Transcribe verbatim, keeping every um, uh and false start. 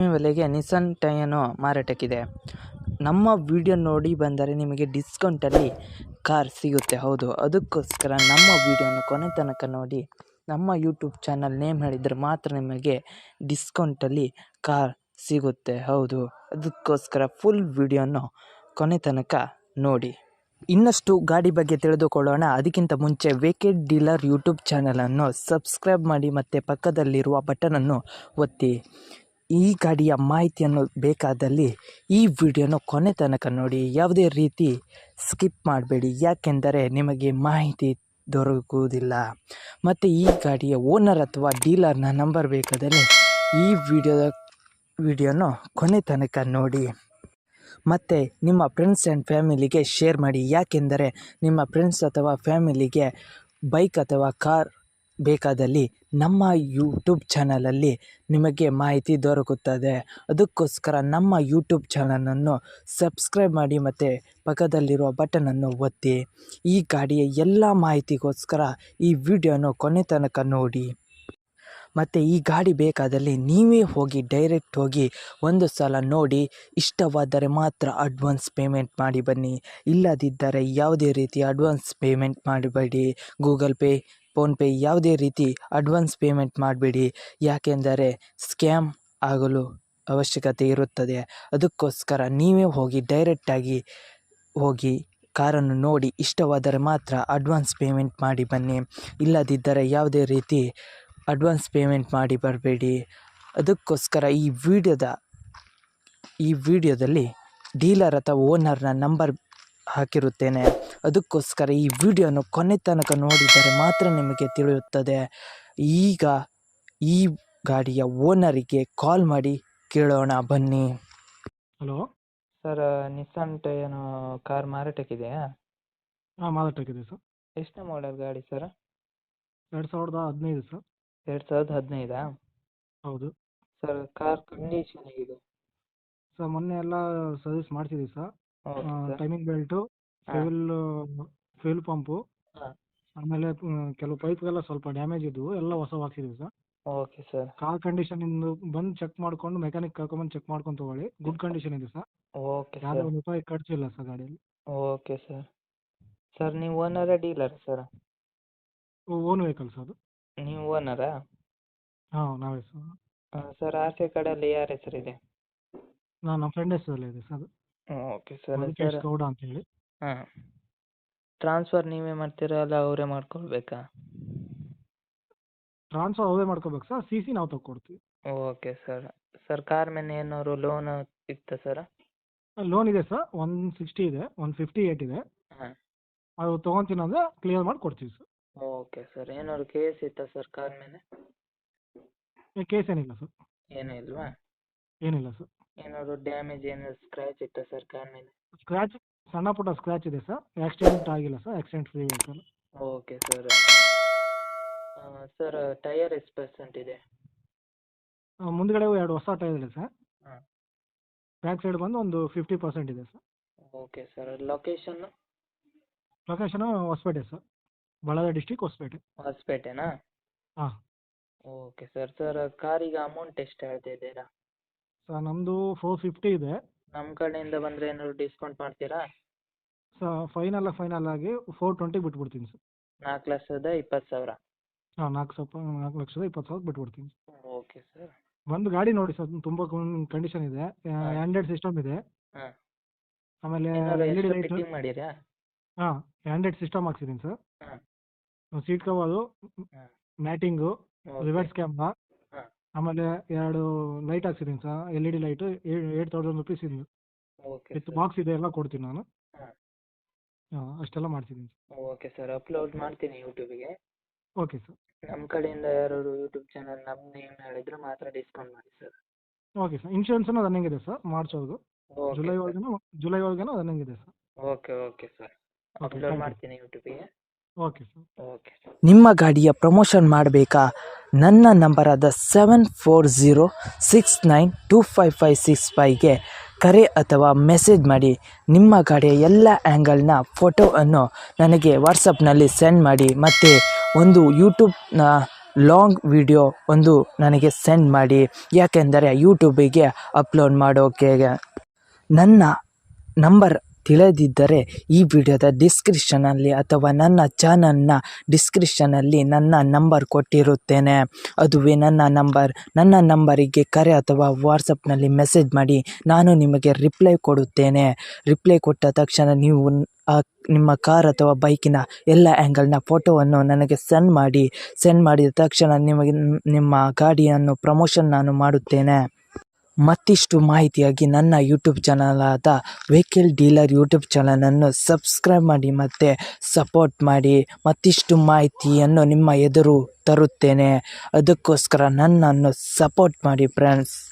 ಬೆಲೆಗೆ ನಿಸ್ಸಾನ್ ಟಯನೋ ಮಾರಾಟಕ್ಕಿದೆ. ನಮ್ಮ ವಿಡಿಯೋ ನೋಡಿ ಬಂದರೆ ನಿಮಗೆ ಡಿಸ್ಕೌಂಟಲ್ಲಿ ಕಾರ್ ಸಿಗುತ್ತೆ. ಹೌದು, ಅದಕ್ಕೋಸ್ಕರ ನಮ್ಮ ವಿಡಿಯೋನ ಕೊನೆ ತನಕ ನೋಡಿ. ನಮ್ಮ ಯೂಟ್ಯೂಬ್ ಚಾನಲ್ ನೇಮ್ ಹೇಳಿದರೆ ಮಾತ್ರ ನಿಮಗೆ ಡಿಸ್ಕೌಂಟಲ್ಲಿ ಕಾರ್ ಸಿಗುತ್ತೆ. ಹೌದು, ಅದಕ್ಕೋಸ್ಕರ ಫುಲ್ ವಿಡಿಯೋನ ಕೊನೆ ತನಕ ನೋಡಿ. ಇನ್ನಷ್ಟು ಗಾಡಿ ಬಗ್ಗೆ ತಿಳಿದುಕೊಳ್ಳೋಣ. ಅದಕ್ಕಿಂತ ಮುಂಚೆ ವೇಕೆಡ್ ಡೀಲರ್ ಯೂಟ್ಯೂಬ್ ಚಾನಲನ್ನು ಸಬ್ಸ್ಕ್ರೈಬ್ ಮಾಡಿ ಮತ್ತು ಪಕ್ಕದಲ್ಲಿರುವ ಬಟನನ್ನು ಒತ್ತಿ. ಈ ಗಾಡಿಯ ಮಾಹಿತಿಯನ್ನು ಬೇಕಾದಲ್ಲಿ ಈ ವಿಡಿಯೋನ ಕೊನೆ ತನಕ ನೋಡಿ. ಯಾವುದೇ ರೀತಿ ಸ್ಕಿಪ್ ಮಾಡಬೇಡಿ, ಯಾಕೆಂದರೆ ನಿಮಗೆ ಮಾಹಿತಿ ದೊರಕುವುದಿಲ್ಲ. ಮತ್ತು ಈ ಗಾಡಿಯ ಓನರ್ ಅಥವಾ ಡೀಲರ್ನ ನಂಬರ್ ಬೇಕಾದರೆ ಈ ವಿಡಿಯೋದ ವಿಡಿಯೋನ ಕೊನೆ ತನಕ ನೋಡಿ. ಮತ್ತು ನಿಮ್ಮ ಫ್ರೆಂಡ್ಸ್ ಆ್ಯಂಡ್ ಫ್ಯಾಮಿಲಿಗೆ ಶೇರ್ ಮಾಡಿ, ಯಾಕೆಂದರೆ ನಿಮ್ಮ ಫ್ರೆಂಡ್ಸ್ ಅಥವಾ ಫ್ಯಾಮಿಲಿಗೆ ಬೈಕ್ ಅಥವಾ ಕಾರ್ ಬೇಕಾದಲ್ಲಿ ನಮ್ಮ ಯೂಟ್ಯೂಬ್ ಚಾನಲಲ್ಲಿ ನಿಮಗೆ ಮಾಹಿತಿ ದೊರಕುತ್ತದೆ. ಅದಕ್ಕೋಸ್ಕರ ನಮ್ಮ ಯೂಟ್ಯೂಬ್ ಚಾನಲನ್ನು ಸಬ್ಸ್ಕ್ರೈಬ್ ಮಾಡಿ ಮತ್ತು ಪಕ್ಕದಲ್ಲಿರುವ ಬಟನನ್ನು ಒತ್ತಿ. ಈ ಗಾಡಿಯ ಎಲ್ಲ ಮಾಹಿತಿಗೋಸ್ಕರ ಈ ವಿಡಿಯೋನ ಕೊನೆ ತನಕ ನೋಡಿ. ಮತ್ತು ಈ ಗಾಡಿ ಬೇಕಾದಲ್ಲಿ ನೀವೇ ಹೋಗಿ ಡೈರೆಕ್ಟ್ ಹೋಗಿ ಒಂದು ಸಲ ನೋಡಿ. ಇಷ್ಟವಾದರೆ ಮಾತ್ರ ಅಡ್ವಾನ್ಸ್ ಪೇಮೆಂಟ್ ಮಾಡಿ ಬನ್ನಿ, ಇಲ್ಲದಿದ್ದರೆ ಯಾವುದೇ ರೀತಿ ಅಡ್ವಾನ್ಸ್ ಪೇಮೆಂಟ್ ಮಾಡಬೇಡಿ. ಗೂಗಲ್ ಪೇ, ಫೋನ್ಪೇ ಯಾವುದೇ ರೀತಿ ಅಡ್ವಾನ್ಸ್ ಪೇಮೆಂಟ್ ಮಾಡಬೇಡಿ, ಯಾಕೆಂದರೆ ಸ್ಕ್ಯಾಮ್ ಆಗಲು ಅವಶ್ಯಕತೆ ಇರುತ್ತದೆ. ಅದಕ್ಕೋಸ್ಕರ ನೀವೇ ಹೋಗಿ ಡೈರೆಕ್ಟಾಗಿ ಹೋಗಿ ಕಾರನ್ನು ನೋಡಿ. ಇಷ್ಟವಾದರೆ ಮಾತ್ರ ಅಡ್ವಾನ್ಸ್ ಪೇಮೆಂಟ್ ಮಾಡಿ ಬನ್ನಿ, ಇಲ್ಲದಿದ್ದರೆ ಯಾವುದೇ ರೀತಿ ಅಡ್ವಾನ್ಸ್ ಪೇಮೆಂಟ್ ಮಾಡಿ ಬರಬೇಡಿ. ಅದಕ್ಕೋಸ್ಕರ ಈ ವಿಡಿಯೋದ ಈ ವಿಡಿಯೋದಲ್ಲಿ ಡೀಲರ್ ಅಥವಾ ಓನರ್ನ ನಂಬರ್ ಹಾಕಿರುತ್ತೇನೆ. ಅದಕ್ಕೋಸ್ಕರ ಈ ವಿಡಿಯೋನ ಕೊನೆ ತನಕ ನೋಡಿದರೆ ಮಾತ್ರ ನಿಮಗೆ ತಿಳಿಯುತ್ತದೆ. ಈಗ ಈ ಗಾಡಿಯ ಓನರಿಗೆ ಕಾಲ್ ಮಾಡಿ ಕೇಳೋಣ ಬನ್ನಿ. Hello sir, Nissan Terrano car ಮಾರಾಟಕ್ಕಿದೆಯಾ? ಹಾಂ, ಮಾರಾಟಕ್ಕಿದೆ ಸರ್. ಎಷ್ಟು ಮಾಡೆಲ್ ಗಾಡಿ ಸರ್? ಎರಡು ಸಾವಿರದ ಹದಿನೈದು ಸರ್. ಎರಡು ಸಾವಿರದ ಹದಿನೈದಾ? ಹೌದು ಸರ್, ಕಾರ್ ಕಂಡೀಷನ್ ಹೇಗಿದೆ? ಸರ್, ಮೊನ್ನೆ ಎಲ್ಲ ಸರ್ವಿಸ್ ಮಾಡ್ಸಿದ್ದೀವಿ sir. Okay sir. Timing belt, fuel fuel pump, ಹಾಂ. ಆಮೇಲೆ ಮ್, ಕೆಲವು ಪೈಪ್ಗೆಲ್ಲ ಸ್ವಲ್ಪ ಡ್ಯಾಮೇಜ್ ಇದ್ದವು, ಎಲ್ಲ ಹೊಸ ಹಾಕ್ಸಿದ್ದೀವಿ sir. Okay sir. Car condition ಇಂದು ಬಂದು ಚೆಕ್ ಮಾಡ್ಕೊಂಡು ಮೆಕ್ಯಾನಿಕ್ ಕರ್ಕೊಂಬಂದು ಚೆಕ್ ಮಾಡ್ಕೊಂಡು ತೊಗೊಳ್ಳಿ. ಗುಡ್ ಕಂಡೀಷನ್ ಇದೆ ಸರ್. ಓಕೆ ಯಾವುದೇ ಸರ್. ಒಂದು ರೂಪಾಯಿ ಖರ್ಚಿಲ್ಲ ಸರ್ ಗಾಡಿಯಲ್ಲಿ. ಓಕೆ ಸರ್. ಸರ್, ನೀವು ಓನರಾ dealer sir? Own vehicle sir ಅದು. ನೀವು ಓನರಾ? ಹಾಂ, ನಾವೇ ಸರ್. ಸರ್, ಆಚೆ ಕಡೆಯಲ್ಲಿ ಯಾರ ಹೆಸರಿದೆ? ನಾನು ನಮ್ಮ ಫ್ರೆಂಡ್ ಹೆಸರಲ್ಲಿ ಇದೆ ಸರ್ ಅದು. Okay sir. Madhukesh sir, Gowda ಅಂತ ಹೇಳಿ. ಹಾಂ. ಟ್ರಾನ್ಸ್ಫರ್ ನೀವೇ ಮಾಡ್ತೀರಾ ಅಲ್ಲ ಅವರೇ ಮಾಡ್ಕೊಳ್ಬೇಕಾ? ಟ್ರಾನ್ಸ್ಫರ್ ಅವೇ ಮಾಡ್ಕೋಬೇಕು ಸರ್, ಸಿ ಸಿ ನಾವು ತಗೊಡ್ತೀವಿ. Okay sir. ಸರ್, ಕಾರ್ ಮೇಲೆ ಏನಾದ್ರು ಲೋನ್ ಇತ್ತಾ ಸರ್? ಲೋನ್ ಇದೆ ಸರ್, ಒನ್ ಸಿಕ್ಸ್ಟಿ ಇದೆ, ಒನ್ ಫಿಫ್ಟಿ ಏಟ್ ಇದೆ. ಹಾಂ. ಅದು ತೊಗೊತೀನಿ ಅಂದರೆ ಕ್ಲಿಯರ್ ಮಾಡಿ ಕೊಡ್ತೀವಿ ಸರ್. Okay sir. ಏನಾದ್ರು ಕೇಸ್ ಇತ್ತಾ ಸರ್ ಕಾರ್ ಮೇಲೆ? ಕೇಸ್ ಏನಿಲ್ಲ ಸರ್. ಏನೂ ಇಲ್ವಾ? ಏನಿಲ್ಲ ಸರ್. ಏನಾದ್ರು ಡ್ಯಾಮೇಜ್ ಏನಾದ್ರು ಸ್ಕ್ರ್ಯಾಚ್ ಇತ್ತಾ ಸರ್ ಕಾರ್ ಮೇಲೆ? ಸ್ಕ್ರ್ಯಾಚ್, ಸಣ್ಣ ಪುಟ್ಟ ಸ್ಕ್ರ್ಯಾಚ್ ಇದೆ ಸರ್. ಆಕ್ಸಿಡೆಂಟ್ ಆಗಿಲ್ಲ sir, accident free vehicle. Okay sir. Sir, tyre ಎಷ್ಟು ಪರ್ಸೆಂಟ್ ಇದೆ? ಮುಂದ್ಗಡೆ ಎರಡು ಹೊಸ ಟೈರ್ ಇದೆ ಸರ್. ಹಾಂ. ಬ್ಯಾಕ್ ಸೈಡ್ ಬಂದು ಒಂದು ಫಿಫ್ಟಿ ಪರ್ಸೆಂಟ್ ಇದೆ ಸರ್. Okay sir. ಲೊಕೇಶನ್ನು? Location Hospet sir, Bellary district Hospet. ಹೊಸಪೇಟೆನಾ? ಹಾಂ. Okay sir. ಸರ್, ಕಾರಿಗೆ ಅಮೌಂಟ್ ಎಷ್ಟು ಹೇಳ್ತಾ ಇದ್ದೀರಾ? ಸರ್, ನಮ್ಮದು ಫೋರ್ ಫಿಫ್ಟಿ ಇದೆ. ನಮ್ಮ ಕಡೆಯಿಂದ ಬಂದರೆ ಏನಾದ್ರು ಡಿಸ್ಕೌಂಟ್ ಮಾಡ್ತೀರಾ? ಸರ್, ಫೈನಲ್ ಫೈನಲ್ ಆಗಿ ಫೋರ್ ಟ್ವೆಂಟಿ ಬಿಟ್ಬಿಡ್ತೀನಿ ಸರ್. ನಾಲ್ಕು ಲಕ್ಷದ ಇಪ್ಪತ್ತು ಸಾವಿರ? ಹಾಂ, ನಾಲ್ಕು ಸ್ವಲ್ಪ ನಾಲ್ಕು ಲಕ್ಷದ ಇಪ್ಪತ್ತು ಸಾವಿರ ಬಿಟ್ಬಿಡ್ತೀನಿ. Okay sir. ಒಂದು ಗಾಡಿ ನೋಡಿ ಸರ್, ತುಂಬ ಕಂಡೀಷನ್ ಇದೆ. ಆ್ಯಂಡ್ರಾಯ್ಡ್ ಸಿಸ್ಟಮ್ ಇದೆ. ಹಾಂ. ಆಮೇಲೆ ಏನಾದ್ರು L E D extra light. Fitting ಮಾಡಿರಾ? ಹಾಂ, ಆ್ಯಂಡ್ರಾಯ್ಡ್ ಸಿಸ್ಟಮ್ ಹಾಕ್ಸಿದ್ದೀನಿ ಸರ್. ಹಾಂ. ಸೀಟ್ ಕವರು, ಹಾಂ. Matting, okay. ರಿವರ್ಸ್ ಕ್ಯಾಮ್ರಾ, ಹಾಂ. ಆಮೇಲೆ ಎರಡು ಲೈಟ್ ಹಾಕ್ಸಿದ್ದೀನಿ sir, L E D light. Eight thousand rupees ಇದು ಓಕೆ ವಿತ್ ಸರ್. ಬಾಕ್ಸ್ ಇದೆ, ಎಲ್ಲ ಕೊಡ್ತೀನಿ ನಾನು. ಹಾಂ. ಹಾಂ, ಅಷ್ಟೆಲ್ಲ ಮಾಡ್ಸಿದ್ದೀನಿ ಸರ್. Okay sir. ಅಪ್ಲೋಡ್ ಮಾಡ್ತೀನಿ ಯೂಟ್ಯೂಬಿಗೆ. Okay sir. ನಮ್ಮ ಕಡೆಯಿಂದ ಯಾರು ಯೂಟ್ಯೂಬ್ ಚಾನಲ್ ನಮ್ಮ ನೇಮ್ ಹೇಳಿದ್ರೆ ಮಾತ್ರ ಡಿಸ್ಕೌಂಟ್ ಮಾಡಿ ಸರ್. Okay sir. ಇನ್ಶೂರೆನ್ಸನ್ನು ರನ್ನಿಂಗ್ ಇದೆ ಸರ್, ಮಾರ್ಚ್ವರೆಗೂ. Okay July sir. ಒಳಗೇನೋ ಜುಲೈ ಒಳಗೇನೋ ರನ್ನಿಂಗ್ ಇದೆ sir. Okay okay sir. Okay, upload thank you. ಮಾಡ್ತೀನಿ ಯೂಟ್ಯೂಬಿಗೆ. Okay sir. Okay sir. ನಿಮ್ಮ ಗಾಡಿಯ ಪ್ರಮೋಷನ್ ಮಾಡಬೇಕಾ? ನನ್ನ ನಂಬರಾದ seven four zero six nine two five five six ಫೈವ್ಗೆ ಕರೆ ಅಥವಾ ಮೆಸೇಜ್ ಮಾಡಿ. ನಿಮ್ಮ ಗಾಡಿಯ ಎಲ್ಲ ಆ್ಯಂಗಲ್ನ ಫೋಟೋವನ್ನು ನನಗೆ ವಾಟ್ಸಪ್ನಲ್ಲಿ ಸೆಂಡ್ ಮಾಡಿ. ಮತ್ತು ಒಂದು ಯೂಟ್ಯೂಬ್ನ ಲಾಂಗ್ ವಿಡಿಯೋ ಒಂದು ನನಗೆ ಸೆಂಡ್ ಮಾಡಿ, ಯಾಕೆಂದರೆ ಯೂಟ್ಯೂಬಿಗೆ ಅಪ್ಲೋಡ್ ಮಾಡೋಕೆ. ನನ್ನ ನಂಬರ್ ತಿಳಿದಿದ್ದರೆ ಈ ವಿಡಿಯೋದ ಡಿಸ್ಕ್ರಿಪ್ಷನಲ್ಲಿ ಅಥವಾ ನನ್ನ ಚಾನಲ್ನ ಡಿಸ್ಕ್ರಿಪ್ಷನಲ್ಲಿ ನನ್ನ ನಂಬರ್ ಕೊಟ್ಟಿರುತ್ತೇನೆ. ಅದುವೇ ನನ್ನ ನಂಬರ್. ನನ್ನ ನಂಬರಿಗೆ ಕರೆ ಅಥವಾ ವಾಟ್ಸಪ್ನಲ್ಲಿ ಮೆಸೇಜ್ ಮಾಡಿ, ನಾನು ನಿಮಗೆ ರಿಪ್ಲೈ ಕೊಡುತ್ತೇನೆ. ರಿಪ್ಲೈ ಕೊಟ್ಟ ತಕ್ಷಣ ನೀವು ಆ ನಿಮ್ಮ ಕಾರ್ ಅಥವಾ ಬೈಕಿನ ಎಲ್ಲ ಆ್ಯಂಗಲ್ನ ಫೋಟೋವನ್ನು ನನಗೆ ಸೆಂಡ್ ಮಾಡಿ. ಸೆಂಡ್ ಮಾಡಿದ ತಕ್ಷಣ ನಿಮಗೆ ನಿಮ್ಮ ಗಾಡಿಯನ್ನು ಪ್ರಮೋಷನ್ ನಾನು ಮಾಡುತ್ತೇನೆ. ಮತ್ತಿಷ್ಟು ಮಾಹಿತಿಯಾಗಿ ನನ್ನ ಯೂಟ್ಯೂಬ್ ಚಾನಲಾದ ವೆಹಿಕಲ್ ಡೀಲರ್ ಯೂಟ್ಯೂಬ್ ಚಾನಲನ್ನು ಸಬ್ಸ್ಕ್ರೈಬ್ ಮಾಡಿ ಮತ್ತು ಸಪೋರ್ಟ್ ಮಾಡಿ. ಮತ್ತಿಷ್ಟು ಮಾಹಿತಿಯನ್ನು ನಿಮ್ಮ ಎದುರು ತರುತ್ತೇನೆ. ಅದಕ್ಕೋಸ್ಕರ ನನ್ನನ್ನು ಸಪೋರ್ಟ್ ಮಾಡಿ ಫ್ರೆಂಡ್ಸ್.